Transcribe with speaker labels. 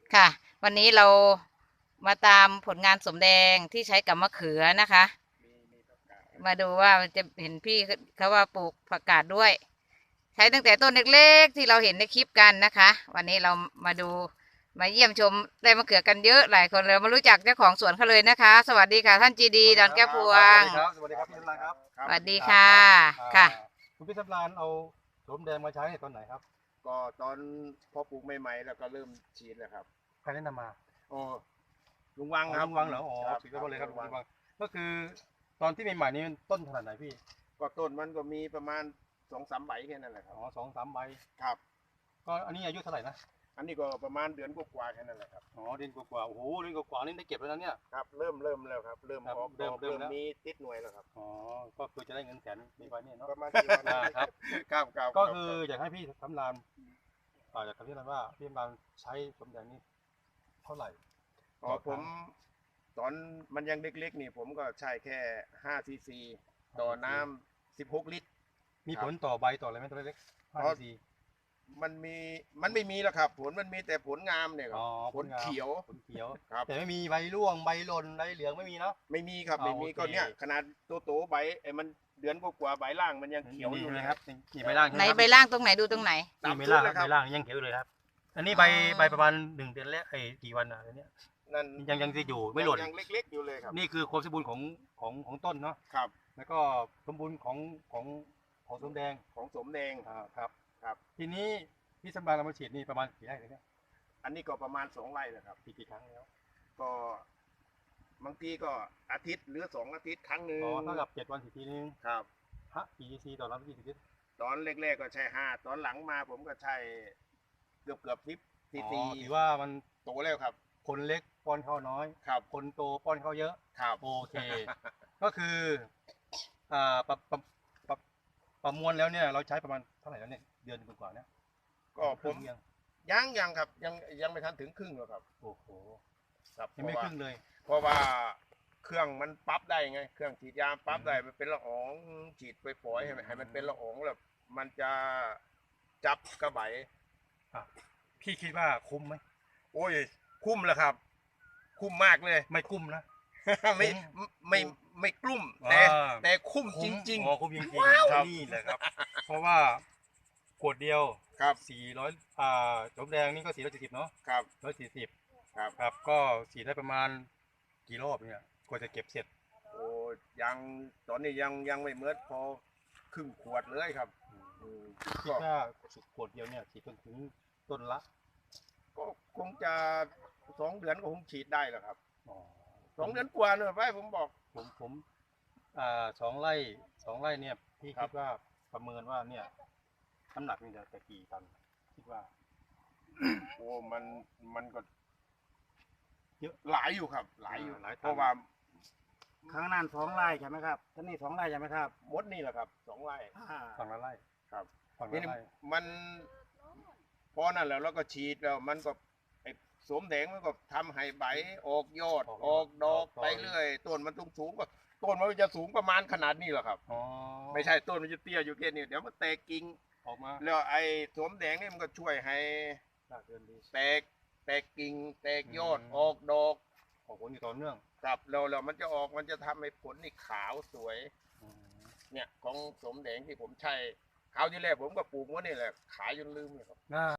Speaker 1: ค่ะ วันนี้เรามาตามผลงานสมแดงที่ใช้กับมะเขือนะคะ
Speaker 2: มีผักกาด
Speaker 1: มาดูว่าจะเห็นพี่เขาว่าปลูกผักกาดด้วย ใช้ตั้งแต่ต้นเล็กๆที่เราเห็นในคลิปกันนะคะ วันนี้เรามาดูมาเยี่ยมชมได้มะเขือกันเยอะหลายคนเลยมารู้จักเจ้าของสวนเขาเลยนะคะ สวัสดีค่ะท่านจีดีดอนแก้วพวง
Speaker 3: สวัสดีครับพี่สำรานครับ
Speaker 1: สวัสดี
Speaker 2: ครับ
Speaker 1: ค่ะค่ะ
Speaker 3: คุณพี่สำรานเอาโสมแดงมาใช้ในตอนไหนครับ
Speaker 2: ก็ตอนพอปลูกใหม่ๆแล้วก็เริ่มฉีดแล้วครับ
Speaker 3: ใครแนะนำมา
Speaker 2: โอ้ลุงวังค
Speaker 3: อ๋อ
Speaker 2: รับ
Speaker 3: ลุงวังเหรออ๋อ
Speaker 2: ครับ
Speaker 3: สุดยอดเลยครับ
Speaker 2: ลุงวัง
Speaker 3: ลุงวังก็คือตอนที่ใหม่ๆนี่ต้นขนาดไหนพี่
Speaker 2: ก็ต้นมันก็มีประมาณ2-3ใบแค่นั้นแหละครั
Speaker 3: อ๋
Speaker 2: บ
Speaker 3: อ2-3ใบ
Speaker 2: ครับ
Speaker 3: ก็อันนี้อายุเท่าไหร่นะ
Speaker 2: อันนี้ก็ประมาณเดือนกว่าๆแค่นั้นแหละครับ
Speaker 3: อ๋อเดือนกว่าๆโอ้โหเดือนกว่าๆนี่ได้เก็บแล้วนะเนี่ย
Speaker 2: ครับเริ่มแล้วครับเริ่ม
Speaker 3: ครับ
Speaker 2: ออกดอก
Speaker 3: เริ่มแล้ว
Speaker 2: มีติดหน่วยแล้วครับ
Speaker 3: อ๋อก็คือจะได้เงินแสนมีไว้เนี่ยเนาะ
Speaker 2: ประมาณกี่วัน
Speaker 3: ครับ
Speaker 2: ครับ
Speaker 3: ก็คืออยากให้พี่สำรานอยากให้พี่สำรานว่าพี่สำรานใช้โสมแดงนี่เท่าไหร่
Speaker 2: อ๋อผมตอนมันยังเล็กๆนี่ผมก็ใช้แค่5 ซีซีต่อน้ำ16 ลิตร
Speaker 3: มีผลต่อใบต่ออะไรไหมตัวเล็ก
Speaker 2: อ๋อ
Speaker 3: 5 cc
Speaker 2: มันไม่มีแล้วครับผลมันมีแต่ผลงามเนี่ยครับ
Speaker 3: อ๋อ
Speaker 2: ผลเขียว
Speaker 3: ผลเขียว
Speaker 2: ครับ
Speaker 3: แต่ไม่มีใบร่วงใบหล่นใบเหลืองไม่มีเนาะ
Speaker 2: ไม่มีครับไม่มี
Speaker 3: โอเค
Speaker 2: ก็เนี่ยขนาดโตใบไอ้มันเดือนกว่าๆใบล่างมันยังเขียวอยู่เลย
Speaker 3: นะครับนี่ใบล่าง
Speaker 1: ไหนใบล่างตรงไหนดูตรงไหน
Speaker 3: นี่
Speaker 2: ตาม
Speaker 3: ใบ
Speaker 2: ชุ
Speaker 3: ล่า
Speaker 2: ด
Speaker 3: ง
Speaker 2: เลยครับ
Speaker 3: ใบล่างยังเขียวอยู่เลยครับ อันนี้ใบ
Speaker 1: อ๋อ
Speaker 3: ใบประมาณ1 เดือนแล้วกี่วันอ่ะอันเนี้ย
Speaker 2: นั่น
Speaker 3: ยังจะอยู่ไม่หล่น
Speaker 2: ยังเล็กๆอยู่เลยครับ
Speaker 3: นี่คือความสมบูรณ์ของต้นเนาะ
Speaker 2: ครับ
Speaker 3: แล้วก็สมบูรณ์ของส้มแดง
Speaker 2: ของสมแดง
Speaker 3: ครับ
Speaker 2: ครับ
Speaker 3: ทีนี้พี่สำราญเรามาฉีดนี่ประมาณกี่ไร่เลยเนี่ย
Speaker 2: อันนี้ก็ประมาณ2 ไร่นะครับ
Speaker 3: กี่ครั้งแล้ว
Speaker 2: ก็บางทีก็อาทิตย์หรือ2 อาทิตย์ครั้งหนึ่ง
Speaker 3: อ๋อเท่ากับ7 วันทีนึง
Speaker 2: ครับ
Speaker 3: ฮะกี่ซีต่อน้ำกี่ลิตร
Speaker 2: ตอนแรกๆก็ใช้5ตอนหลังมาผมก็ใช้เกือบ10 ซี
Speaker 3: อ๋อ
Speaker 2: ซี
Speaker 3: ถือว่ามัน
Speaker 2: โตแล้วครับ
Speaker 3: คนเล็กป้อนข้าวน้อย
Speaker 2: ครับ
Speaker 3: คนโตป้อนข้าวเยอะ
Speaker 2: ครับ
Speaker 3: โอเค ก็คือประมวลแล้วเนี่ยเราใช้ประมาณเท่าไหร่แล้วเนี่ยเดือนกว่าๆเนี่ย
Speaker 2: ก็ผ
Speaker 3: ครึ่
Speaker 2: ม
Speaker 3: งยัง
Speaker 2: ยังครับยังไม่ทันถึงครึ่งหรอกครับ
Speaker 3: โอ้โห
Speaker 2: ครับ
Speaker 3: ยังไม่ครึ่งเลย
Speaker 2: เพราะว่าเครื่องมันปรับได้ไงเครื่องฉีดยาปรับได้มันเป็นละอองฉีดไปปล่อยให้มันเป็นละอองแล้วมันจะจับกระไหบ
Speaker 3: พี่คิดว่าคุ้มไหม
Speaker 2: โอ้ยคุ้มแล้วครับ คุ้มมากเลย
Speaker 3: ไม่คุ้มนะ
Speaker 2: ไม่ไม่ไม่กลุ้มแต่คุ้มจริง
Speaker 3: อ๋อคุ้มจริง
Speaker 2: ๆครับ
Speaker 3: ๆนี่แหละครับ เพราะว่าขวดเดียว
Speaker 2: ครับ
Speaker 3: 400สมแดงนี่ก็470เนาะ
Speaker 2: ครับ
Speaker 3: 140
Speaker 2: ครับ
Speaker 3: ครับก็ฉีดได้ประมาณกี่รอบเนี่ยกว่าจะเก็บเสร็จ
Speaker 2: โอ้ยังตอนนี้ยังไม่เหมือนพอครึ่งขวดเลยครับ
Speaker 3: คิดว่าขวดเดียวเนี่ยฉีดจนถึงต้นละ
Speaker 2: ก็คงจะ2 เดือนก็คงฉีดได้แล้วครับ
Speaker 3: อ๋อ
Speaker 2: 2 เดือนกว่าเนอะไปผมบอก
Speaker 3: ผม2 ไร่เนี่ยพี่
Speaker 2: ครั
Speaker 3: คิ
Speaker 2: บ
Speaker 3: ดว่าประเมินว่าเนี่ยน้ำหนักนี่จะกี่ตันคิดว่า
Speaker 2: โอ้มันก็
Speaker 3: เยอะ
Speaker 2: หลายอยู่ครับ หลายอยู่
Speaker 3: หลายตัน
Speaker 2: เพราะว่า
Speaker 4: ครั้งนั้น2 ไร่ใช่ไหมครับท่านี่2 ไร่ใช่ไหมครับ
Speaker 2: มดนี่แหละครับ2 ไร่
Speaker 3: ฝั่งละไร่
Speaker 2: ครับ
Speaker 3: ฝั่ง
Speaker 2: นี่
Speaker 3: ละไร่
Speaker 2: มันพอนั่นแล้วเราก็ฉีดแล้วมันก็ไอ้สวมแดงมันก็ทำให้ใบออกยอดออกดอกไปเรื่อยต้นมันสูงก็ต้นมันจะสูงประมาณขนาดนี้แหละครับ
Speaker 3: อ๋อ
Speaker 2: ไม่ใช่ต้นมันจะเตี้ยอยู่แค่นี้เดี๋ยวมันแตกกิ่ง
Speaker 3: ออกมา
Speaker 2: แล้วไอ้สวมแดงนี่มันก็ช่วยให้
Speaker 3: รากเดินดี
Speaker 2: แตกกิ่งแตกยอดออกดอก
Speaker 3: ออกผลอยู่ต่อเนื่อง
Speaker 2: ครับแล้วมันจะออกมันจะทำให้ผลนี่ขาวสวย
Speaker 3: อืม
Speaker 2: เนี่ยของสมแดงที่ผมใช้คราวที่แรกผมก็ปลูกว่านี่แหละขายจนลืมเลยครับ
Speaker 3: น่า